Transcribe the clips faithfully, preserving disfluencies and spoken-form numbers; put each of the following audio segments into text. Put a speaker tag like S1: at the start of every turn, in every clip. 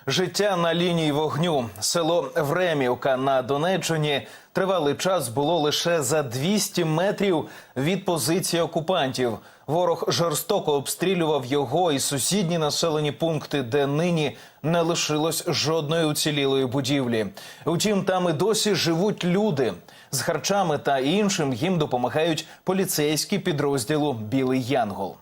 S1: Життя на лінії вогню. Село Времівка на Донеччині тривалий час було лише за двісті метрів від позиції окупантів. Ворог жорстоко обстрілював його і сусідні населені пункти, де нині не лишилось жодної уцілілої будівлі. Утім, там і досі живуть люди. З харчами та іншим їм допомагають поліцейські підрозділу «Білий Янгол».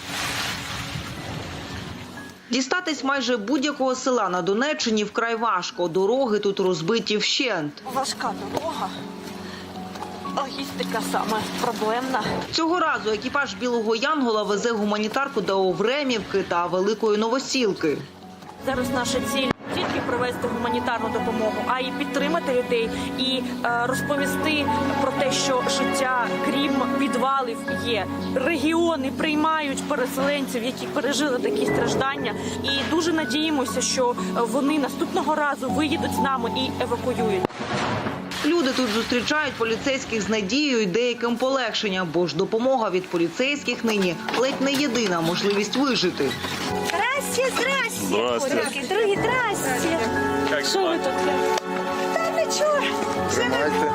S2: Дістатись майже будь-якого села на Донеччині вкрай важко. Дороги тут розбиті вщент.
S3: Важка дорога. Логістика саме проблемна.
S2: Цього разу екіпаж «Білого Янгола» везе гуманітарку до Времівки та Великої Новосілки.
S3: Зараз наша ціль не тільки привезти гуманітарну допомогу, а й підтримати людей і е, розповісти про те, що життя, крім підвалів, є. Регіони приймають переселенців, які пережили такі страждання. І дуже надіємося, що вони наступного разу виїдуть з нами і евакуюють.
S2: Люди тут зустрічають поліцейських з надією і деяким полегшенням, бо ж допомога від поліцейських нині ледь не єдина можливість вижити.
S3: Здрасте, здрасте. Здрасте. Дорогі, здрасте. Що ви тут? Та нічого.
S4: Тримайте.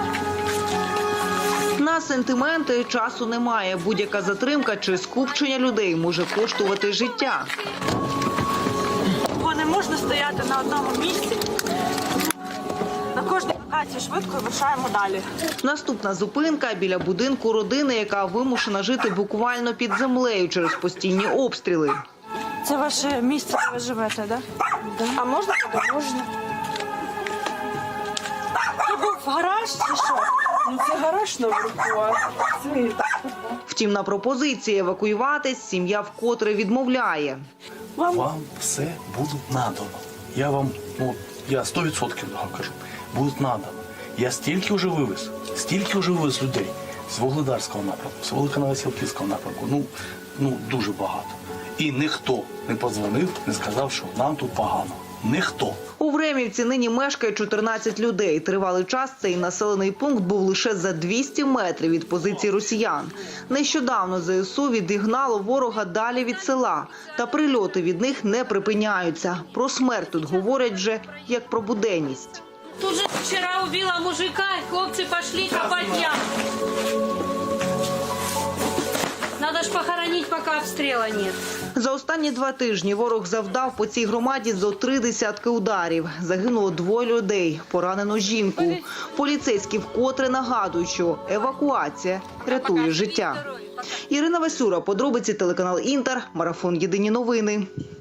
S2: На сентименти часу немає. Будь-яка затримка чи скупчення людей може коштувати життя.
S3: Бо не можна стояти на одному місці. На кожній локації швидко вирушаємо далі.
S2: Наступна зупинка – біля будинку родини, яка вимушена жити буквально під землею через постійні обстріли.
S3: Це ваше місце, де ви живете, так? Да? А можна туди? Можна. Це був гараж чи що?
S5: Ну це гараж наверху, а це...
S2: Втім, на пропозиції евакуюватись сім'я вкотре відмовляє.
S3: Вам?
S4: Вам все буде надано. Я вам, ну, я сто відсотків кажу, буде надано. Я стільки вже вивез, стільки вже вивез людей з Вугледарського напрямку, з Великоновосілківського напрямку, ну, ну дуже багато. І ніхто не подзвонив, не сказав, що нам тут погано. Ніхто.
S2: У Времівці нині мешкає чотирнадцять людей. Тривалий час цей населений пункт був лише за двісті метрів від позиції росіян. Нещодавно ЗСУ відігнало ворога далі від села. Та прильоти від них не припиняються. Про смерть тут говорять вже як про буденність.
S6: Тут же вчера убила мужика, и хлопцы пошли копать яму. Надо ж похоронить, пока обстрела нет.
S2: За останні два тижні ворог завдав по цій громаді зо три десятки ударів. Загинуло двоє людей, поранено жінку. Поліцейські вкотре нагадують, що евакуація рятує життя. Ірина Васюра, подробиці, телеканал «Інтер», марафон «Єдині новини».